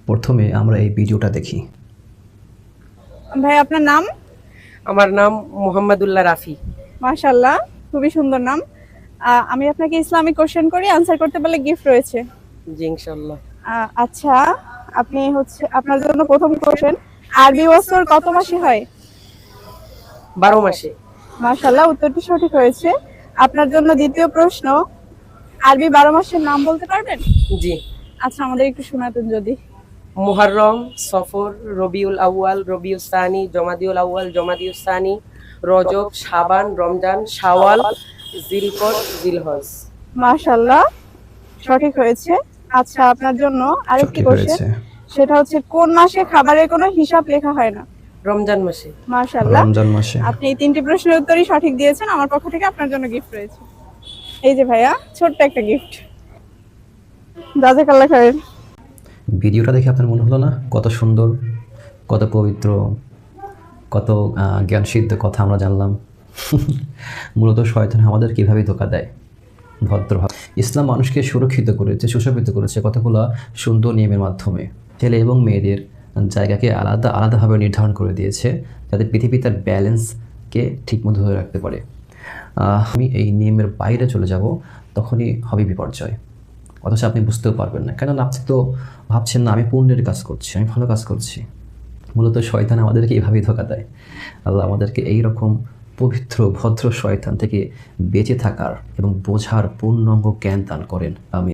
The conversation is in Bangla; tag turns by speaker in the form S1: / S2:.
S1: প্রথমে আমরা এই ভিডিওটা দেখি।
S2: ভাই আপনার নাম?
S3: আমার নাম মোহাম্মদুল্লাহ রাফি।
S2: মাশাআল্লাহ, খুবই সুন্দর নাম। আমি আপনাকে ইসলামিক কোশ্চেন করি, আনসার করতে পারলে গিফট রয়েছে।
S3: জি ইনশাল্লাহ।
S2: আচ্ছা, আপনি আপনার জন্য প্রথম কোশ্চেন, আরবি বছর কত মাসে হয়?
S3: 12 মাসে।
S2: মাশাআল্লাহ, উত্তরটি সঠিক হয়েছে। আপনার জন্য দ্বিতীয় প্রশ্ন, আরবি 12 মাসের নাম বলতে পারবেন?
S3: জি।
S2: আচ্ছা, আমাদের একটু শোনাতেন যদি।
S3: মুহররম, সফর, রবিউল আউয়াল, রবিউস সানি, জমাদিউল আউয়াল, জমাদিউস সানি, রজব, শাবান, রমজান, শাওয়াল, জিলকদ, জিলহজ।
S2: মাশাআল্লাহ, সঠিক হয়েছে। আচ্ছা, আপনার জন্য আরেকটি
S1: সঠিক
S2: কোশ্চেন,
S1: হয়েছে।
S2: সেটা হচ্ছে কোন মাসে খাবারের কোনো হিসাব লেখা হয় না?
S3: রমজান মাসে।
S2: মাশাআল্লাহ,
S1: রমজান মাসে।
S2: আপনি এই তিনটি প্রশ্নের উত্তরই সঠিক দিয়েছেন। আমার পক্ষ থেকে আপনার জন্য গিফট রয়েছে। এই যে ভাইয়া, ছোট্ট একটা গিফট। জাযাকাল্লাহ খাইর।
S1: ভিডিওটা দেখে আপনার মনে হলো না কত সুন্দর, কত পবিত্র, কত জ্ঞানসিদ্ধ কথা আমরা জানলাম। মূলত শয়তান আমাদের কীভাবে ধোঁকা দেয় ভদ্রভাবে। ইসলাম মানুষকে সুরক্ষিত করেছে, সুশোভিত করেছে কতগুলো সুন্দর নিয়মের মাধ্যমে। ছেলে এবং মেয়েদের জায়গাকে আলাদা আলাদাভাবে নির্ধারণ করে দিয়েছে, যাতে পৃথিবী তার ব্যালেন্সকে ঠিকমতো ধরে রাখতে পারে। আমি এই নিয়মের বাইরে চলে যাব, তখনই হবে বিপর্যয়। অথচ আপনি বুঝতেও পারবেন না, কেননা আপনি তো ভাবছেন না আমি পুণ্যের কাজ করছি, আমি ভালো কাজ করছি। মূলত শয়তান আমাদেরকে এইভাবেই ধোঁকা দেয়। আল্লাহ আমাদেরকে এই রকম পবিত্র ভদ্র শয়তান থেকে বেঁচে থাকার এবং বোঝার পূর্ণাঙ্গ জ্ঞান দান করেন। আমি